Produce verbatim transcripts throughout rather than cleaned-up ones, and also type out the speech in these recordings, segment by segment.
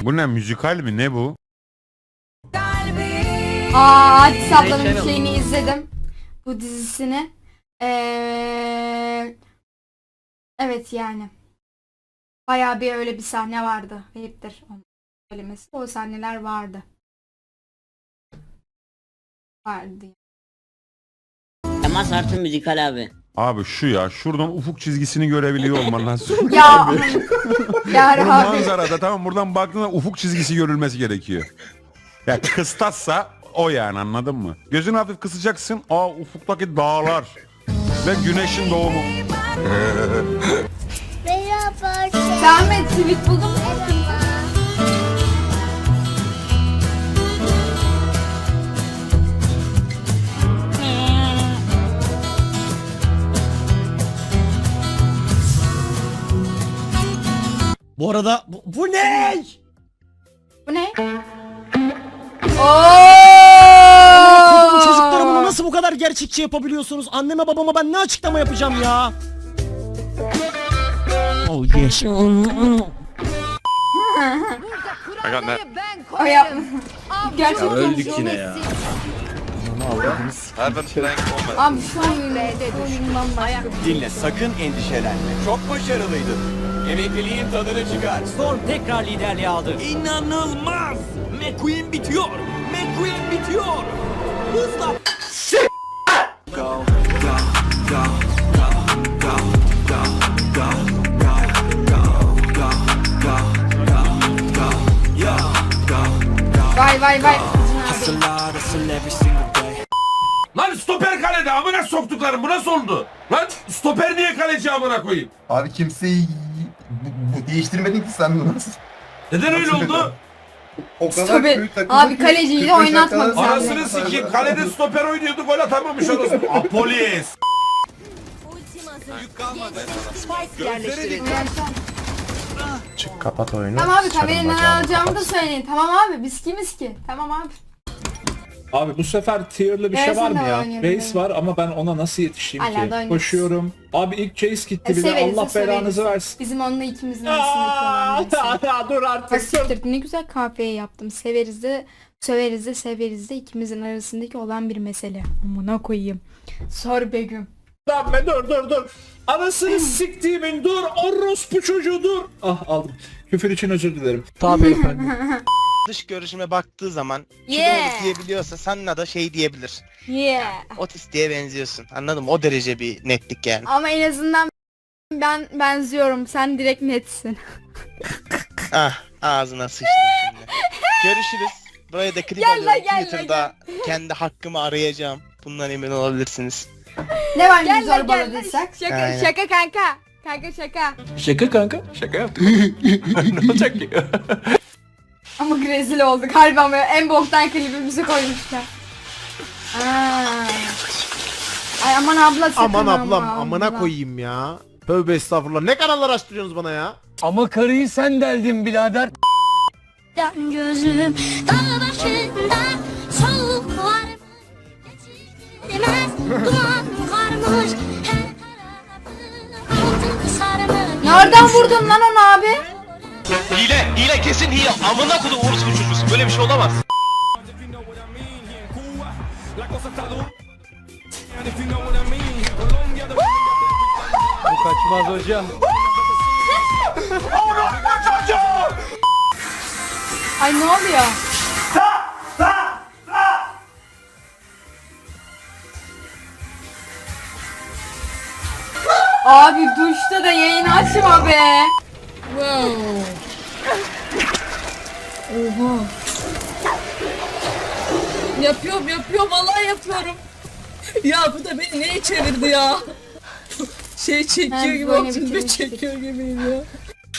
Bu ne, müzikal mi ne bu? Aa, Hadis ablanın şeyini izledim. Bu dizisini. Ee, evet yani. Bayağı bir öyle bir sahne vardı. Ayıptır onun söylemesi. O sahneler vardı. Vardı. Temas artı müzikal abi. Abi şu ya, şuradan ufuk çizgisini görebiliyor olman lazım. Ya ya Bu abi. manzarada tamam, buradan baktığında ufuk çizgisi görülmesi gerekiyor. Ya kıstassa o yani, anladın mı? Gözünü hafif kısacaksın. Aa, ufuktaki dağlar ve güneşin doğumu. Merhaba. Zahmet tweet buldum. Bu arada bu, bu ne? Bu ne? Bu Ooo! çocuklara bunu nasıl bu kadar gerçekçi yapabiliyorsunuz? Anneme babama ben ne açıklama yapacağım ya? Oh yes. O yapma. Gerçekten. Öldük yine ya. Abi şu an oyundan başladı. Dinle, sakın endişelenme. Çok başarılıydın. Emekliliğin tadını çıkar. Storm tekrar liderliği aldı. İnanılmaz! McQueen bitiyor! McQueen bitiyor! Hızla! Vay vay vay. Lan stoper kalede, amına soktuklarım, bu nasıl oldu? Lan stoper niye kaleci amına koyayım? Abi kimseyi bu, bu değiştirmedin ki sen bunu. Neden öyle oldu? O kadar Tabii. kötü takımı Abi ki kaleciyi de kırk beş oynatmadı dakikada- sen. Anasını sikeyim, kalede stoper oynuyordu, gol atamamış orası. Apolis. Çık kapat oyunu. Tamam abi, kamerayı ne alacağımı da söyleyin. Tamam abi, biz kimiz ki? Tamam abi. Abi bu sefer tier'lı bir Evet, şey var sen mı de ya? oynuyorum, Race evet. var ama ben ona nasıl yetişeyim Hala da ki? oynuyoruz. Koşuyorum. Abi ilk chase gitti E, bile. severiz de Allah belanızı severiz. versin. Bizim onunla ikimizin arasındaki olan birisi. Dur artık. Basiktir, ne güzel kahveye yaptım. Severiz de söveriz de severiz de ikimizin arasındaki olan bir mesele. Amına koyayım. Sor Begüm. Lan be dur dur dur. Anasını siktiğimin dur. Orospu çocuğu dur. Ah aldım. Küfür için özür dilerim. Tabii efendim. Dış görüşüme baktığı zaman Yeah. yeah. diyebiliyorsa sana da şey diyebilir. Yeah. Otistiğe benziyorsun. Anladın mı? O derece bir netlik yani. Ama en azından ben benziyorum. Sen direkt netsin. Ah ağzına sıçtım şimdi. Görüşürüz. Buraya da klip Gel lan, alıyorum. gel lan, Twitter'da kendi hakkımı arayacağım. Bundan emin olabilirsiniz. Ne var ki zorbaladıysak? Şaka, Aynen. şaka kanka. Kanka şaka. Şaka kanka. Şaka yaptık. Ne olacak ki? Ama rezil olduk. Harbi böyle en boktan klibimizi koymuşlar. Aa. Ay aman abla sakın Aman ablam ama, amına abla. koyayım ya. Tövbe estağfurullah. Ne kanallar açtırıyorsunuz bana ya? Ama karıyı sen deldin birader. Gözüm dağ başında soğuk var. Geçilmez duman varmış. Her tarafı altın sarmış. Nereden vurdun lan onu abi? Hile! Hile kesin hile! Amına kodu orospu çocuğusun. Böyle bir şey olamaz. Bu kaçmaz hocam. Ay ne oluyor? Abi duşta da yayın açma be. Oha. Yapıyorum yapıyorum vallahi yapıyorum. Ya bu da beni neye çevirdi ya? Şey çekiyor Ben gibi böyle otuz bir bitirmiştik. çekiyor gibiyim ya.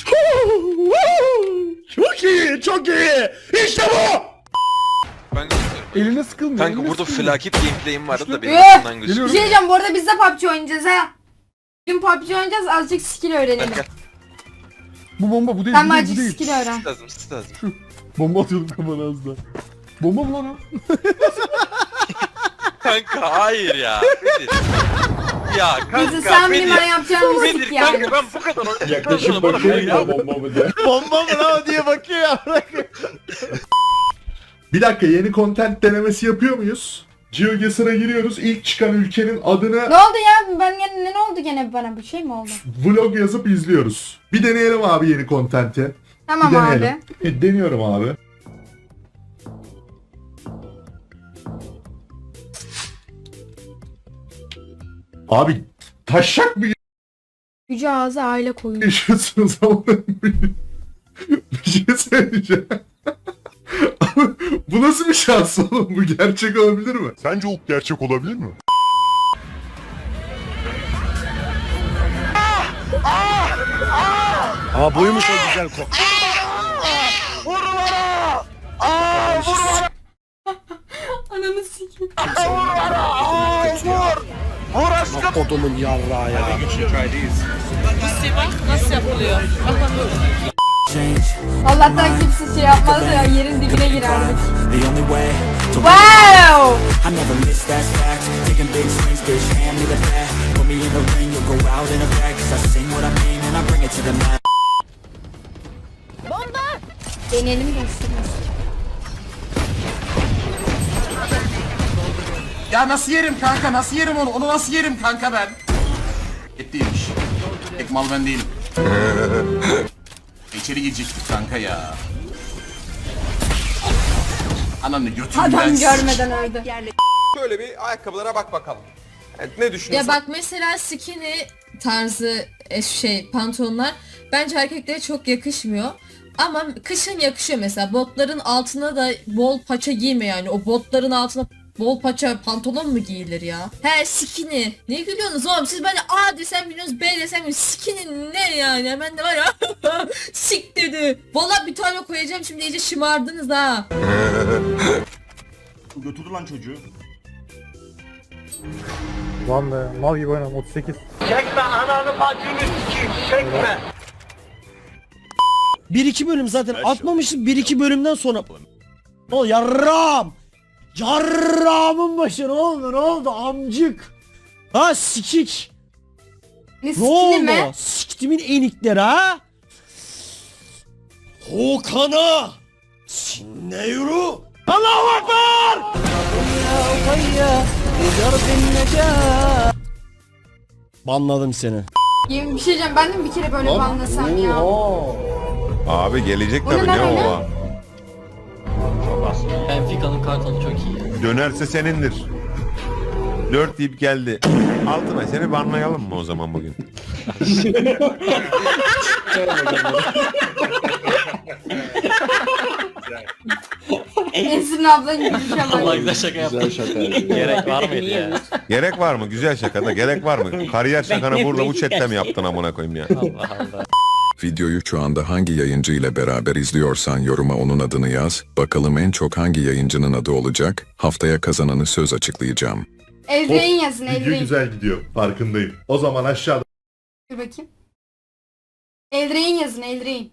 Çok iyi, çok iyi. İşte bu. Eline sıkılmıyor. Kanka burada felaket gameplay'im vardı da benim Üh! aklımdan Bir gözüküyor. şey diyeceğim, bu arada biz de P U B G oynayacağız ha. Bugün P U B G oynayacağız, azıcık skill öğrenelim. Gel, Bu bomba bu değil, Sen bu değil, azıcık bu değil. skill öğren. lazım, siz lazım. Bomba atıyordum kafana az daha. Bomba mı lan o? Kanka hayır ya. Nedir? ya Bizi sen benim bana yapacağın müzik yani. ben bu kadar Yaklaşıp bakıyorum da bomba mı diye. Bomba mı lan o diye bakıyor ya. Bir dakika, yeni content denemesi yapıyor muyuz? GeoGuessr'a giriyoruz. İlk çıkan ülkenin adını Ne oldu ya? Ben gene ne oldu gene bana bir şey mi oldu? vlog yazıp izliyoruz. Bir deneyelim abi yeni content'i. Tamam Bir abi. deneyelim. E, deniyorum abi. Abi taşak mı Yüce ağzı aile koyun. yaşıyorsunuz ama bir şey söyleyeceğim. Bu nasıl bir şans oğlum? Bu gerçek olabilir mi? Sence o gerçek olabilir mi? Aa buymuş o güzel kok. Ananı sikeyim. Kodumun yarrağı ya. Nasıl yapılıyor? Allah'tan kimse şey yapmaz ya yerin dibine girerdik. Wow! I never miss that fact. Taking big swings, bitch, hand me the bat. Put me in the ring, you'll go out in a bag. Cause I sing what I mean and I bring it to the mat. Deneyelim gösteririz. Ya nasıl yerim kanka, nasıl yerim onu? Onu nasıl yerim kanka ben? Et değilmiş. Tek mal ben değilim. İçeri girecektik kanka ya. Ananı götürdüm Adam ben. görmeden öldü. Şöyle bir ayakkabılara bak bakalım. Evet, ne düşünüyorsun? Ya bak mesela skinny tarzı e, şey pantolonlar bence erkeklere çok yakışmıyor. Ama kışın yakışıyor mesela. Botların altına da bol paça giyme yani. O botların altına bol paça pantolon mu giyilir ya? He skinny. Ne gülüyorsunuz oğlum? Siz bana A desem biliyorsunuz, B desem biliyorsunuz. Skinny ne yani? Hemen de var ya. Sik dedi. Valla bir tane koyacağım şimdi, iyice şımardınız ha. Götürdü lan çocuğu. Lan be mal gibi oynam otuz sekiz. bir iki bölüm zaten atmamıştık, bir iki bölümden sonra. O yarram. Yarramın başı ne oldu ne oldu amcık. Ha sikik. Ne Ne sikini oldu? mi? Siktimin enikleri ha? Hokan'a Sinne yürü. Allahu Ekber. Banladım seni. Yemin bir şey diyeceğim, ben de mi bir kere böyle banlasam ya? Abi gelecek O ne tabii lan ne öyle? o? Benfica'nın kartalı çok iyi. Dönerse senindir. Dört deyip geldi. Altına seni banlayalım mı o zaman bugün? Ensin ablanın gülüşe bak. Güzel şaka yaptın. Güzel şaka. Gerek var mıydı ya? Gerek var mı? Güzel şakada gerek var mı? Kariyer şakanı burada bu chatte mi yaptın amına koyayım ya? Allah Allah. Videoyu şu anda hangi yayıncı ile beraber izliyorsan yoruma onun adını yaz. Bakalım en çok hangi yayıncının adı olacak? Haftaya kazananı söz açıklayacağım. Eldireyin yazın, Video eldireyin. güzel gidiyor. Farkındayım. O zaman aşağıda Dur bakayım. Eldireyin yazın, eldireyin.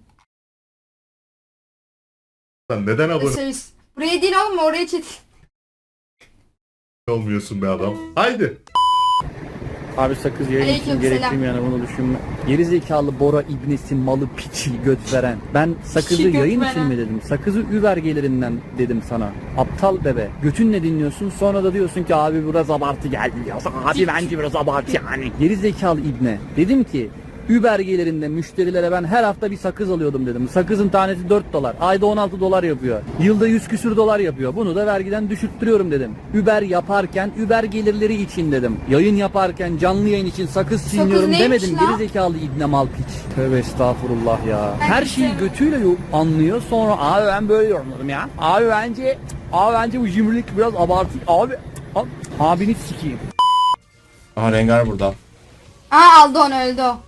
neden abone Söz. Buraya değil oğlum, oraya çet. olmuyorsun be adam? Haydi. Abi sakız yayın Aleyküm için gerekli selam. mi yani bunu düşünme. Gerizekalı Bora İbnesi malı piçi göt veren. Ben sakızı Piçi göt yayın veren. için mi dedim? Sakızı Uber gelirinden dedim sana. Aptal bebe. Götünle dinliyorsun sonra da diyorsun ki abi biraz abartı geldi diyorsun. Abi bence biraz abartı yani. Gerizekalı İbne. Dedim ki Uber gelirinde müşterilere ben her hafta bir sakız alıyordum dedim. Sakızın tanesi dört dolar. Ayda on altı dolar yapıyor. Yılda yüz küsür dolar yapıyor. Bunu da vergiden düşürttürüyorum dedim. Uber yaparken Uber gelirleri için dedim. Yayın yaparken canlı yayın için sakız çiğniyorum neymiş demedim. lan? Gerizekalı İbne mal piç. Tövbe estağfurullah ya. Ben Her hiç şeyi sevmem. götüyle yo- anlıyor sonra abi ben böyle yorumladım ya. Abi bence abi bence bu cimrilik biraz abartı. Abi abi abini sikeyim. Aha Rengar burada. Aa aldı onu, öldü o.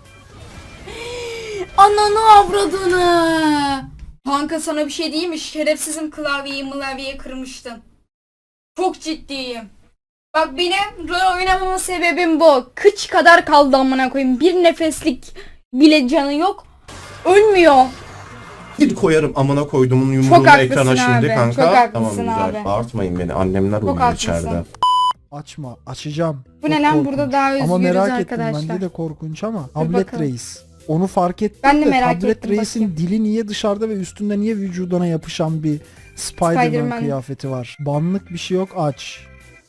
Ananı avradını. Kanka sana bir şey diyeyim mi? Şerefsizim, klavyeyi mılavyeyi kırmıştın. Çok ciddiyim. Bak benim rol oynamama sebebim bu. Kıç kadar kaldı amına koyayım. Bir nefeslik bile canı yok. Ölmüyor. Bir koyarım amına koyduğumun Çok yumruğunu haklısın ekrana şimdi abi, kanka. çok haklısın Tamam güzel. abi. Bağırtmayın beni. Annemler uyuyor haklısın. içeride. Açma. Açacağım. Bu ne Çok lan? korkunç. Burada daha Ama özgürüz merak arkadaşlar. ettim. Bence de korkunç ama. Tablet bakalım. Reis. Onu fark ettim Ben de de merak Tablet ettim, Reis'in bakayım. dili niye dışarıda ve üstünde niye vücuduna yapışan bir Spider-Man, Spider-Man. kıyafeti var. Banlık bir şey yok, aç.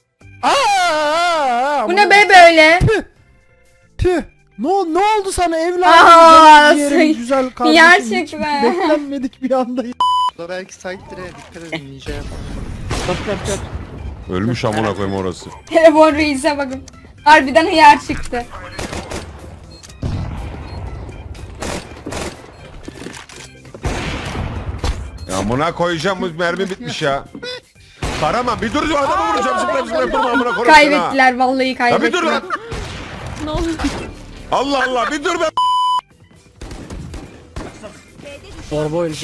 Aa! Bu ne be böyle? Tüh. Ne, ne oldu sana evladım? Aa, Ciğerim say- güzel kardeşim. Gerçek Hiç be. Beklenmedik bir anda. Belki side'lere dikkat edin ninja yapar. Ölmüş amına koyayım orası. Telefon reise bakın. Harbiden hıyar çıktı. Ya amına koyacağım, bu mermi bitmiş ya. Karama bir dur, adamı vuracağım, zıplayıp zıplayıp durma amına koyayım. Kaybettiler vallahi Ya bir kaybettiler. dur lan. Ne oldu? Allah Allah bir dur be. Torba oyuncu.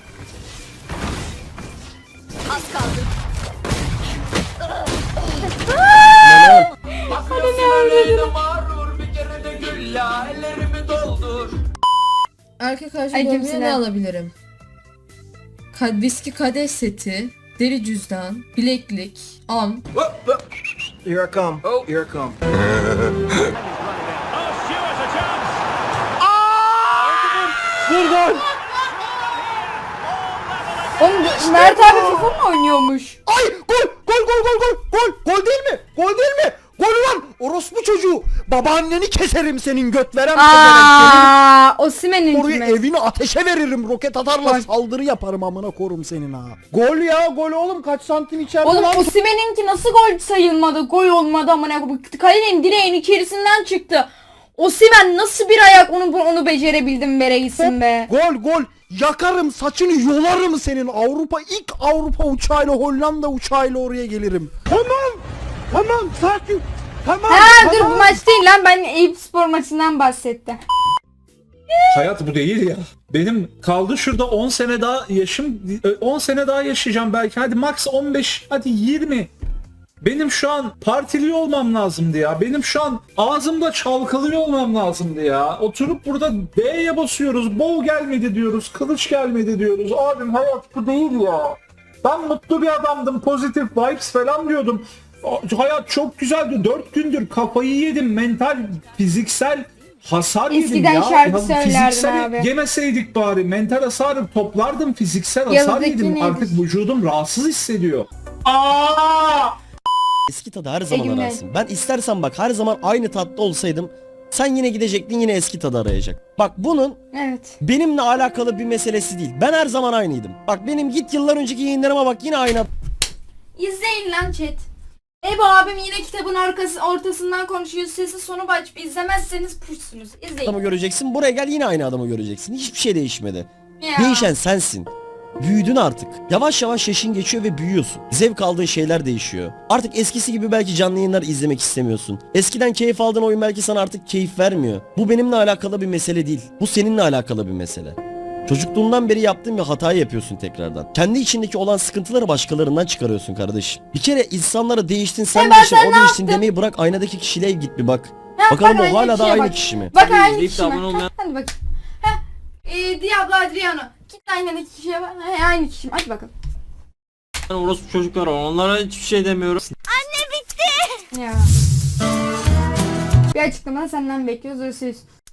Erkek Ay, harcı kimsin ne ha? alabilirim? Ka viski kadeh seti, deri cüzdan, bileklik, am. Here I come. Oh, here I come. Oğlum Mert abi FIFA mı oynuyormuş? Ay gol gol gol gol gol gol gol değil mi? Gol değil mi? Gol lan orospu çocuğu. Babaanneni keserim senin göt veren pezevenk. Aaa Osimhen'in Oraya mi? evini ateşe veririm. Roket atarla Gol. saldırı yaparım amına korum senin ha. Gol ya gol oğlum kaç santim içeride Oğlum lan. Osimhen'inki nasıl gol sayılmadı? Gol olmadı amına koyayım. Kalenin direğin içerisinden çıktı. Osimhen nasıl bir ayak onu onu becerebildin be reisim be. Gol gol. Yakarım saçını yolarım senin. Avrupa ilk Avrupa uçağıyla Hollanda uçağıyla oraya gelirim. Tamam. Tamam sakin. Tamam. Ha dur bu maç değil lan, ben Eyüp Spor maçından bahsettim. Hayat bu değil ya. Benim kaldı şurada on sene daha yaşım, on sene daha yaşayacağım belki. Hadi max on beş, hadi yirmi. Benim şu an partili olmam lazımdı ya. Benim şu an ağzımda çalkalıyor olmam lazımdı ya. Oturup burada B'ye basıyoruz. Bow gelmedi diyoruz. Kılıç gelmedi diyoruz. Abim hayat bu değil ya. Ben mutlu bir adamdım. Pozitif vibes falan diyordum. Hayat çok güzeldi. Dört gündür kafayı yedim. Mental, fiziksel hasar yedim Eskiden ya. şarkı Ya söylerdin fiziksel abi. yemeseydik bari. Mental hasarı toplardım. Fiziksel hasar Yanındaki yedim. neydi? Artık vücudum rahatsız hissediyor. Aa! Eski tadı her zaman Egümle. ararsın. Ben istersen bak her zaman aynı tatlı olsaydım sen yine gidecektin yine eski tadı arayacak. Bak bunun Evet. benimle alakalı bir meselesi değil. Ben her zaman aynıydım. Bak benim git yıllar önceki yayınlarıma bak yine aynı İzleyin lan chat. Ebo abim yine kitabın arkası, ortasından konuşuyor, sesi sonu açıp izlemezseniz puşsunuz. İzleyin. adamı göreceksin. Buraya gel yine aynı adamı göreceksin. Hiçbir şey değişmedi. Ya. Değişen sensin. Büyüdün artık. Yavaş yavaş yaşın geçiyor ve büyüyorsun. Zevk aldığın şeyler değişiyor. Artık eskisi gibi belki canlı yayınlar izlemek istemiyorsun. Eskiden keyif aldığın oyun belki sana artık keyif vermiyor. Bu benimle alakalı bir mesele değil. Bu seninle alakalı bir mesele. Çocukluğundan beri yaptığın bir hatayı yapıyorsun tekrardan. Kendi içindeki olan sıkıntıları başkalarından çıkarıyorsun kardeşim. Bir kere insanlara değiştin sen ben değiştin sen o ne değiştin yaptım? demeyi bırak aynadaki kişiliğe git bir bak. Ha, Bakalım bak o hala da kişiye aynı bak. kişi mi? Bak aynı izleyip kişi de mi? abone olmayan- Ha, hadi bakayım. Heh. Ee, Diablo Adriano. Git aynı kişiye bak. Ha, aynı kişi mi? Hadi bakalım. Orospu çocuklar var. Onlara hiçbir şey demiyorum. Ya. Bir açıklama senden bekliyoruz. Örsüz.